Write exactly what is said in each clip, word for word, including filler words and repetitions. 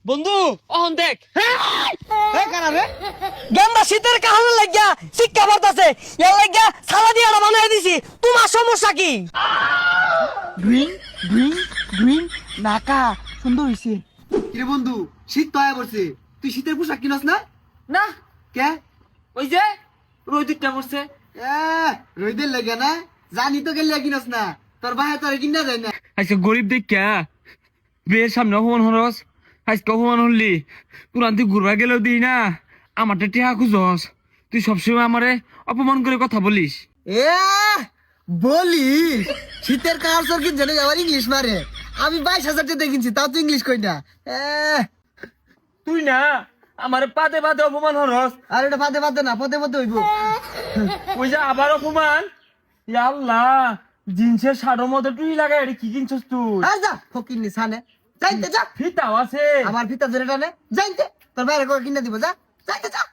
বন্ধু অহন দেখ গেন্দা শীতের কাহনে লাগিয়া শিক্ষা বাড়তাছে এর লাগিয়া সালা দিয়ে বানাই দিছি তোমার সমস্যা কি? গ্রিন গ্রিন গ্রিন নাকা সুন্দর হইছে। কিরে বন্ধু শীত তো আয়া পড়ছে, তুই শীতের পোশাক কিনস না? না কে? ওই যে রোদ দুইটা পড়ছে। এ রইদের লাগে না, জানি তো গেলে কিনস না, তোর বাহে তোর কিনা যায় না। আজকে গরিব দেখা বিয়ের সামনে অপমান হরস, আজকে অপমান হলি কোরআন তুই ঘুরবা গেলেও দিই না, আমারটা টিহা খুঁজস, তুই সবসময় আমারে অপমান করে কথা বলিস। এ বলি শীতের কাহার কি জানে আবার ইংলিশ মারে, আমি বাইশ হাজার টাকা কিনছি তাও তুই ইংলিশ কই না। এ তুই না আমারে পাদে পাদে অপমান হরস, আর এটা পাতে পাতে না পদে পদে হইব। ওই যে আবার অপমান। ইয়া আল্লাহ, জিন্সের শাড়োর মধ্যে তুই লাগাই এটা কি কিনছস তুই? আর যা ফকির নি সানে যাইতে যা, ফিতাও আছে আমার ভিতর ধরে টানে যাইতে, তোর বাইরে করে কিনে দিব যা যাইতে যা।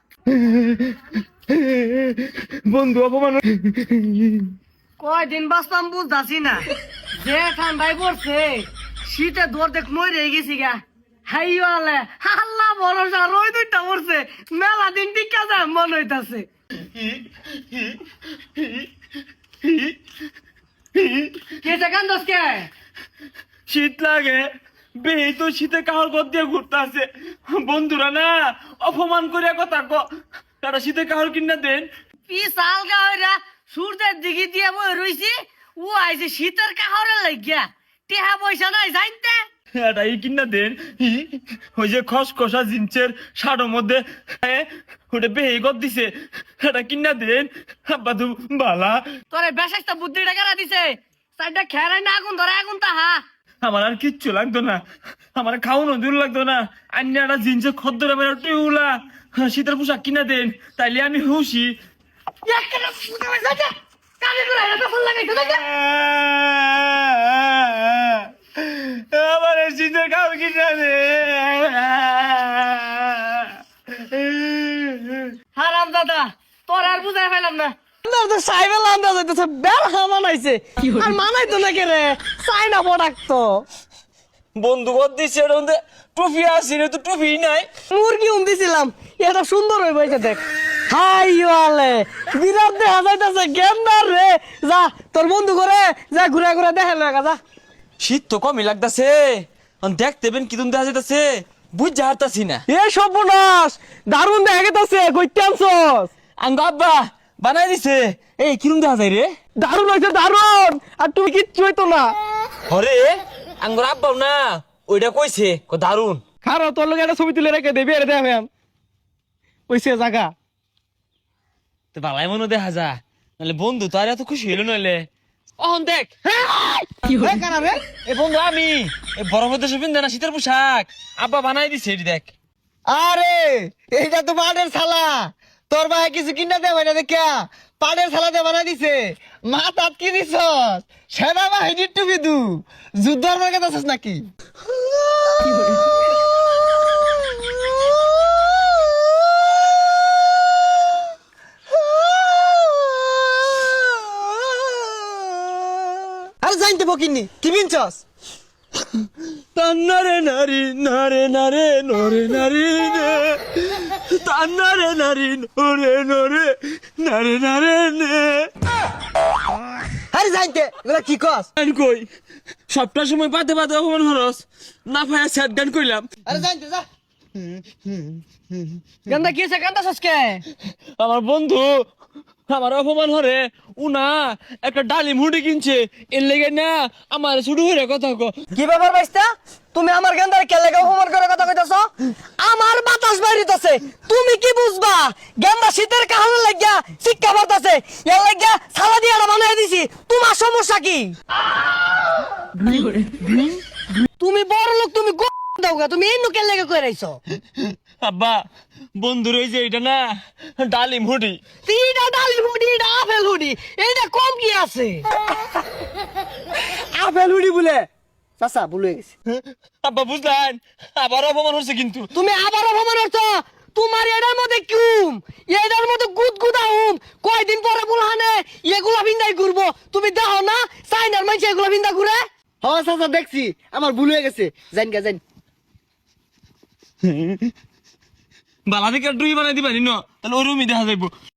বন্ধু অপমান। কয়দিন বাঁচতাম বুঝতাছি না, যে ঠান্ডায় পড়ছে শীতে দৌড় দেখ মই রে গেছি গা। হাইওয়ালে আল্লাহ ভরসা রই দুইটা পড়ছে, মেলা দিন টিকা যায় মন হইতাছে। কে সেখান দোষকে শীত লাগে বেহি তো শীতে কাহর ঘর দিয়ে ঘুরতে আছে, বন্ধুরা না অপমান করে কথা ক, তারা শীতে কাহর কিনা দেন। পিসাল গাওরা সূর্যের দিকে দিয়ে বই রইছি, ও আইছে শীতের কাহরে লাগিয়া টেহা পয়সা নাই জানতে। এটা এই কিনা দেন, ওই যে খসখসা জিন্সের শাড়োর মধ্যে ওটা বেহি ঘর দিছে, এটা কিনা দেন আব্বা তু বালা। তোরে বেশাইস্তা বুদ্ধিটা কেনা দিছে, সাইডটা খেরাই না আগুন ধরে আগুন তাহা। আমার আর কিচ্ছু লাগতো না, আমার খাওয়ানো দূর লাগতো না, আন্য একটা জিন্সের খদ্দরে বেরো টিউলা শীতের পোশাক কিনা দেন, তাইলে আমি খুশি। একটা ফুটা হয়ে যাচ্ছে কানে করে এটা ফল লাগাইতে দেখে আমার শীতের খাওয়া কিনা দে। হারাম দাদা তোর আর বুঝাই পাইলাম না, তো সাইবেল আন্দাজ হইতেছে বেল মানাইছে আর মানাইতো না কে রে চাইনা প্রোডাক্ট তো। বন্ধু কর দিছে এর মধ্যে টুপি আছে রে, তো টুপি নাই। মুরগি উম দিছিলাম, এটা সুন্দর হয়ে বইছে দেখ। হাই ওয়ালে বিরাট দেখা যাইতেছে গেন্দার রে, যা তোর বন্ধু করে যা ঘুরে ঘুরে দেখা লাগা যা। শীত তো কমই লাগতাছে, দেখতে বেন কিরম দেখা যাইতাছে বুঝ যা হারতাছি না। এ সর্বনাশ দারুণ দেখা গেছে কইতে আনছস। আঙ্গ আব্বা বানাই দিছে, এই কিরম দেখা যায় রে? দারুণ হয়েছে দারুণ, আর তুমি কিচ্ছু হইতো না। হরে আঙ্গর আব্বাও না ওইটা কইছে ক দারুন। খারো তোর লোক একটা ছবি তুলে রেখে দেবি এর দেখাম কইছে জায়গা তো বালাই মনে দেখা যা, নাহলে বন্ধু তো আর এত খুশি হইল নইলে। অহন দেখ কি হয় কানা রে। এ বন্ধু আমি এই বরফের দেশে পিন্ধে না শীতের পোশাক আব্বা বানাই দিছে, এটি দেখ। আরে এইটা তো পাটের ছালা, তোর ভাই কিছু কিনা দেবে না দেখা পাটের ছালা দিয়ে বানাই দিছে। মাথাত কি দিছস? সেনা বাহিনীর টুপি দু যুদ্ধর মার্কে দিছস নাকি? আরে জানতে বকিনি কি বিনছস? তান্নারে নারী নারে নারে নরে নারী নে, তান্নারে নারী নরে নরে নারে নারে নে। আরে জানতে এগুলা কি কস? গান কই সবটা সময় পাতে পাতে অপমান হরস, না ভাইয়া স্যাড গান কইলাম। আরে জানতে যা। গন্দা কি আছে গন্দা সসকে আমার বন্ধু আমার অপমান হরে উনা একটা ডালিম হুডি কিনছে, এর লেগে না আমার শুরু হয়ে কথা কো। কি ব্যাপার বাইস্তা, তুমি আমার গন্দার কে লাগা হোমওয়ার্ক করে কথা কইতাছো? আমার বাতাস বাইরিতেছে, তুমি কি বুঝবা? গন্দা শীতের কাহনে লাগিয়া শিক্ষা বাড়তাছে এর লাগিয়া সালা দিয়ে বানাই দিছি, তোমার সমস্যা কি? তুমি বড় লোক, তুমি গো দাওগা, তুমি এই নুকে লেগে কই রাইছো? আব্বা বন্ধু রই যে এটা না ডালিম হুডি। তিনটা ডালি হুডি, এটা আপেল হুডি, এইটা কম কি আছে? আপেল হুডি বলে চাচা ভুলে গেছি। আব্বা বুঝলেন আবার অপমান হচ্ছে কিন্তু। তুমি আবার অপমান করছো, তোমার এটার মধ্যে কিউম এটার মধ্যে গুদ গুদা হুম, কয়দিন পরে বুলহানে এগুলা ভিন্দাই ঘুরবো, তুমি দেখো না চাইনার মানুষ এগুলা ভিন্দা ঘুরে। হ্যাঁ চাচা দেখছি, আমার ভুল হয়ে গেছে, জান গা জান। বালা থেকে ডুই বানাই দিবা নি ন তাহলে ওই রুমই দেখা যাইব